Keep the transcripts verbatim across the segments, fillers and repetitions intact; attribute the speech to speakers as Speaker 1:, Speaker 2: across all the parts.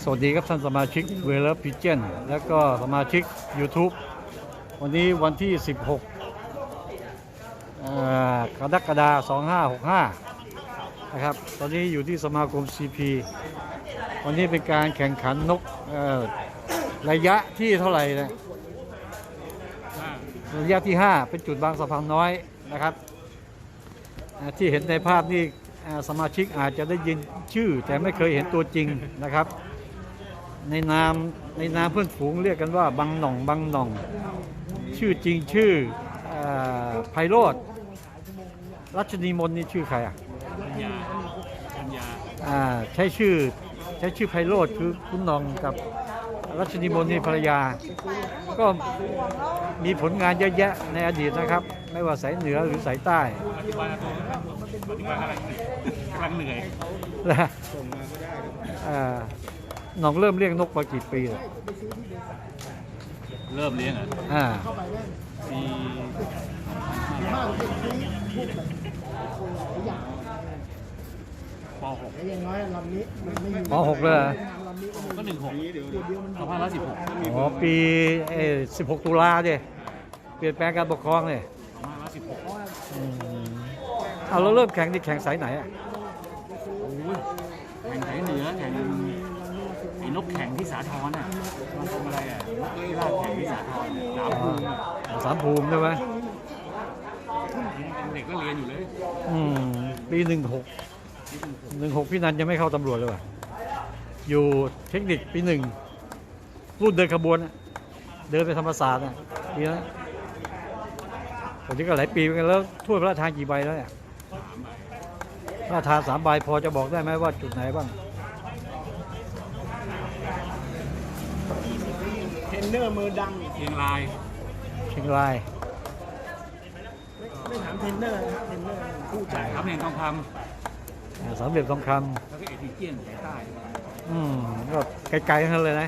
Speaker 1: สวัสดีครับท่านสมาชิกเวลพิเจนและก็สมาชิก YouTube วันนี้วันที่ สิบหก กรกฎาคม สองพันห้าร้อยหกสิบห้า นะครับตอนนี้อยู่ที่สมาคม ซี พี วันนี้เป็นการแข่งขันนกระยะที่เท่าไหร่นะระยะที่ ห้า เป็นจุดบางสะพานน้อยนะครับที่เห็นในภาพนี่สมาชิกอาจจะได้ยินชื่อแต่ไม่เคยเห็นตัวจริงนะครับในนามในนามเพื่อนฝูงเรียกกันว่าบังหน่องบังหน่องชื่อจริงชื่อไพโรจน์รัชนีมนนี่ชื่อใครอ่ะปัญญาปัญญาอ่าใช้ชื่อใช้ชื่อไพโรจน์คือคุณหน่องกับรัชนีมนนี่ภรรยาก็มีผลงานเยอะแยะในอดีตนะครับไม่ว่าสายเหนือหรือสายใต้ปัจจุบันปัจจุบันกำลังเหนื่อยนะหน่องเริ่มเลี้ยงนกมากี่ปีแล้ว
Speaker 2: เริ่มเลี้ยงอ่ะ
Speaker 1: อ่า
Speaker 2: ปีป .หก
Speaker 1: ป .หก เลย
Speaker 2: ก็หนึ่งหกสองพันร้อยสิบหก
Speaker 1: อ๋อปีสิบหกตุลาดิเปลี่ยนแปลงการปกครองเลย
Speaker 2: สองพันร้อยสิบหก
Speaker 1: เอาเราเริ่มแข่งที่แข่งสายไหนอ่ะ
Speaker 2: แข่งสายเหนือแข่งไอ้นกแข่งที่สาทรน่ะมันทำอะไรอ่ะนกเอ้ยลาดแข่งที่สาทรสามภูมิ
Speaker 1: สามภูมิใช่ไหม
Speaker 2: เด็กก็เรียนอยู่เลย
Speaker 1: อืมปีหนึ่งหกหนึ่งหกพี่นันจะไม่เข้าตำรวจเลยว่ะอยู่เทคนิคปีหนึ่งรุ่นเดินขบวนเดินไปธรรมศาสตร์นะปีนั้นผมที่ก็หลายปีเหมือนกันแล้วถ้วยพระราชทานกี่ใบแล้วเนี่ยพระราชทานสามใบพอจะบอกได้ไหมว่าจุดไหนบ้าง
Speaker 3: เทรนเนอร์มือดัง
Speaker 2: เชียงราย
Speaker 1: เชียงราย
Speaker 3: ไม่ถามเทรนเนอร์นะเทรนเนอร์ผู้จ่าย
Speaker 2: ครับเหรียญทองค
Speaker 1: ำสามเหลี่ยมทองคำ
Speaker 2: แล้วก็เอทิเจียนสายใต้
Speaker 1: อืมก็ไกลๆทั้งนั้นเลยนะ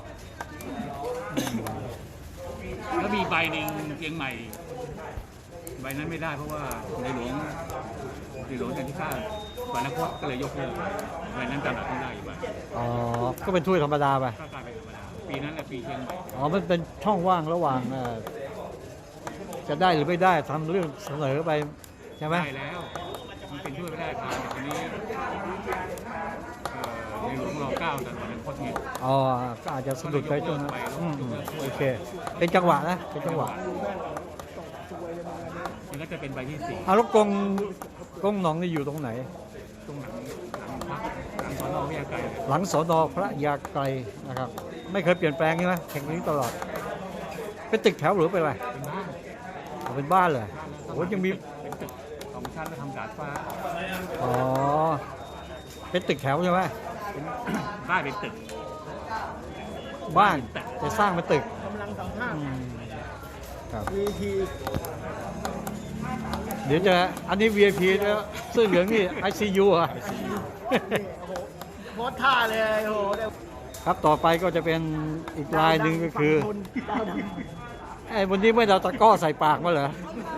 Speaker 2: แล้วมีใบหนึ่งเชียงใหม่ใบนั้นไม่ได้เพราะว่าในหลวงในหลวงจันทิข้าวันนักพจน์ก็เลยยกเลิกใบนั้นตลาดต้องได้อีกใบ
Speaker 1: อ๋อก็เป็นถ้วยธรรมดาไป
Speaker 2: ก็กลายเป็นธรรมดาปีนั้นแหละปีเชียงใหม่
Speaker 1: อ๋อมันเป็นช่องว่างระหว่างจะได้หรือไม่ได้ทำเรื่องเสนอไปใช่ไหม
Speaker 2: ได้แล้วมันเป็นถ้วยพระราชทานแต่ทีนี้ในหลวงรอเก้าแต่วันนักพจน์เนี่ย
Speaker 1: อ๋อก็อาจจะสะดุดไปช่วงนั้นโอเคเป็นจังหวะนะเป็นจังหวะ
Speaker 2: มันก็จะเป็นใบที่สี่
Speaker 1: เอาลูกกงกงหนองนี่อยู่ตรงไหน
Speaker 2: ตรงหลังหลังพักหลังสอนอพระยาไกร
Speaker 1: หลังสอนอพระยาไกรนะครับไม่เคยเปลี่ยนแปลงใช่ไหมแข่งนี้ตลอดเป็นตึกแถวหรือเป็นอะไรเป็นบ้านเลยโอ้ยังมี
Speaker 2: เป็นตึกสองชั้นแล้วทำดาดฟ้า
Speaker 1: อ๋อเป็นตึกแถวใช่ไหม
Speaker 2: บ้านเป็นตึก
Speaker 1: บ้านจะสร้างเป็นตึก
Speaker 3: กำลังสัมภาษณ์
Speaker 1: ครับ
Speaker 3: วี พี
Speaker 1: เดี๋ยวจะอันนี้ วี ไอ พี แล้วเสื้อเหลืองนี่ ไอ ซี ยู อ่ะ
Speaker 3: โคตรท่าเลยโอ้โห
Speaker 1: ครับต่อไปก็จะเป็นอีกลายหนึ่งก็คือไอ้วันนี้ไม่เอาตะก้อใส่ปากมาเหรอ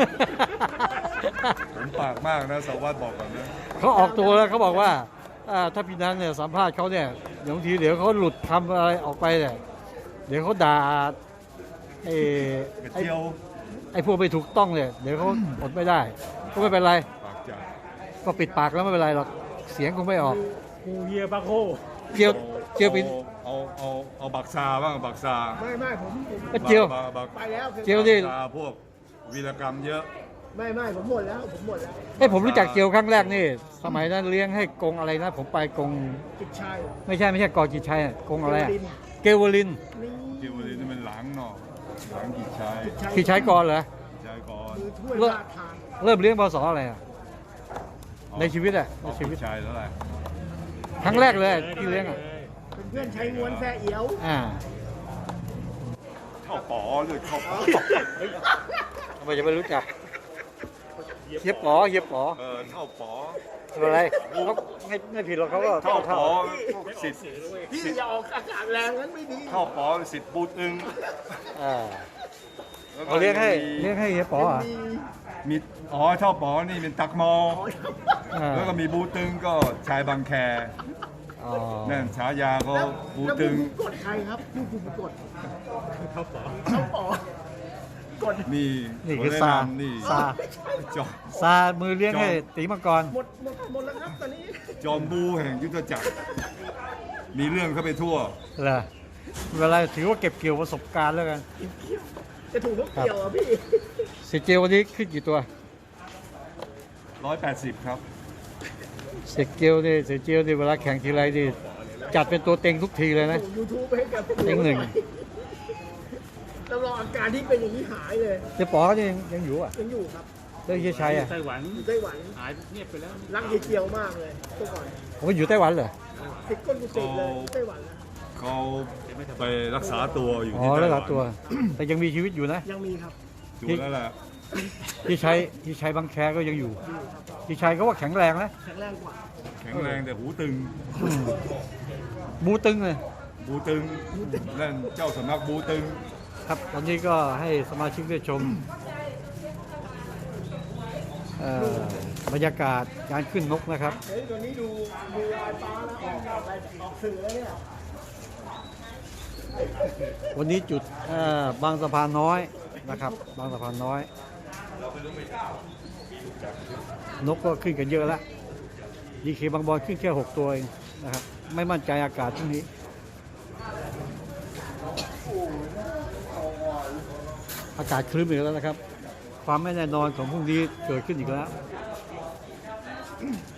Speaker 4: ผมปากมากนะสวัสดิ์บอกก่อนนะ
Speaker 1: เขาออกตัวแล้วเขาบอกว่าถ้าพี่นันเนี่ยสัมภาษณ์เขาเนี่ยเดี๋ยวทีเดี๋ยวเขาหลุดคำอะไรออกไปเนี่ยเดี๋ยวเขาด่าไอ้ไอ้ไอ้พวกไม่ถูกต้องเนี่ยเดี๋ยวเขาอดไม่ได้ก็ไม่เป็นไรก็ปิดปากแล้วไม่เป็นไรหรอกเสียงคงไม่ออก
Speaker 3: กูเฮียบักโค
Speaker 1: เจียวเจียวปิน
Speaker 4: เอาเอาเอาบักซาบ้างบักซา
Speaker 3: ไม่ไม่ผม
Speaker 1: เจียว
Speaker 3: ไปแล้ว
Speaker 1: เจียวนี่
Speaker 4: พวกวีรกรรมเยอะ
Speaker 3: ไม่ไม่ผมหมดแล้วผมหมดแล้ว
Speaker 1: ไอ้ผมรู้จักเจียวครั้งแรกนี่สมัยนั้นเลี้ยงให้กงอะไรนะผมไปกง
Speaker 3: กิจชัย
Speaker 1: ไม่ใช่ไม่ใช่กอกิจชัยกงอะไรเกวลิน
Speaker 4: เกวลินนี่มันหลังเนาะหลังกิจชัย
Speaker 1: กิจชัยก่อนเหรอ
Speaker 4: กิจชัยก่อน
Speaker 1: เริ่มเริ่มเลี้ยงพศอะไรอ่ะในชีวิตอ่ะในชีวิต
Speaker 4: กิจชัยเท่าไหร่
Speaker 1: ครั้งแรกเลยที่เลี้ยงอ่ะ
Speaker 3: เป็นเพื่อนใช้งวนแซ่เอียว
Speaker 1: อ่า
Speaker 4: เข้าป๋อเลยเข้าป๋อ
Speaker 1: ทำไมจะไม่รู้จักเฮียป๋อเฮียป๋อ
Speaker 4: เออเท่าป๋อ
Speaker 1: อะไรเขาไม่ไม่ผิดหรอกเขาก็
Speaker 4: เท่าป๋อสิทธิ์
Speaker 3: พี่อย่าออกอากาศแรงนั้นไม่ดี
Speaker 4: เท่าป๋อสิทธิ์บูตึง
Speaker 1: อ่าเขาเรียกให้เรียกให้เฮียป๋ออ่ะ
Speaker 4: มีอ๋อเท่าป๋อนี่เป็นตักมอแล้วก็มีบูตึงก็ชายบางแค
Speaker 1: อ๋อ
Speaker 4: นั่นฉายาเขา
Speaker 3: แล้ว
Speaker 4: บู
Speaker 3: แล้ว
Speaker 4: ตึง
Speaker 3: ผู้กดใครครับผู้ผู้กด
Speaker 2: เขาขอ
Speaker 3: เขาป๋อกด
Speaker 4: นี่
Speaker 1: นี่
Speaker 4: ข
Speaker 1: คือ
Speaker 4: แะ
Speaker 1: ซา
Speaker 4: นำนี่
Speaker 1: ซา
Speaker 4: จอม
Speaker 1: ซามือเลี้ยงให้ตีมังกร
Speaker 3: หมดหมดหมดแล้วครับตอนนี้
Speaker 4: จอมบูแห่งยุทธจักร มีเรื่องเข้าไปทั่ว
Speaker 1: เหรอเวลาถือว่าเก็บเกี่ยวประสบการณ์แล้วกัน
Speaker 3: จะถูกทุกเกี่ยวอ่ะพี่
Speaker 1: เสียเจลวันนี้ขึ้นกี่ตัว
Speaker 4: ร้อยแปดสิบครับ
Speaker 1: เสียเจลนี่เสียเจลนี่เวลาแข่งทีไรนี่จัดเป็นตัวเต็งทุกทีเลยนะ
Speaker 3: ส่งยูทูบให้กับ
Speaker 1: เต็งหนึ่ง
Speaker 3: แล้วรองอาการที่เป็นอย่างนี้หายเลย
Speaker 1: เจ๊ป๋อนี่ยังยังอยู่อ่ะ
Speaker 3: ยังอยู่ครับ
Speaker 1: แล้วเฮียชัยอ่ะ
Speaker 2: ไต้หวัน
Speaker 3: อยู่ไต้หวัน
Speaker 2: หายเงียบไปแล้ว
Speaker 3: รักเฮียเจียวมากเลยเมื่อก่อน
Speaker 1: ผมว่าอยู่ไต้หวันเหรอ
Speaker 3: ติดก้นกุฏิเลยไต้หวันนะ
Speaker 4: เขาไปรักษาตัวอยู่
Speaker 1: อ๋อ
Speaker 4: ที่ไต้
Speaker 1: แล้ว
Speaker 4: ห
Speaker 1: ห
Speaker 4: วั
Speaker 1: ลาน ตัว แต่ยังมีชีวิตอยู่นะ
Speaker 3: ยังมีครับ
Speaker 4: ดูแล้วล่ะ
Speaker 1: ที่ชัยที่ชัยบางแคก็ยังอยู่ที่ชัยก็ว่าแข็งแรงนะ
Speaker 3: แข็งแรงกว่า
Speaker 4: แข็งแรงแต่หูตึง
Speaker 1: บูตึงเลย
Speaker 4: บูตึง นั่นเจ้าสำนักบูตึง
Speaker 1: ครับตอนนี้ก็ให้สมาชิกได้ชมเอ่อบรรยากาศการขึ้นนกนะครับ
Speaker 3: เฮ้ยตัวนี้ดูดูลายฟ้าแล้วออกออกไปออกสื่อแล้วเนี่ย
Speaker 1: วันนี้จุดเอ่อบางสะพานน้อยนะครับ บางสะพานน้อย นกก็ขึ้นกันเยอะแล้วดีเคบางบอลขึ้นแค่หกตัวเองนะครับ ไม่มั่นใจอากาศช่วงนี้ อากาศครึ้มอีกแล้วนะครับ ความไม่แน่นอนของพรุ่งนี้เกิดขึ้นอีกแล้ว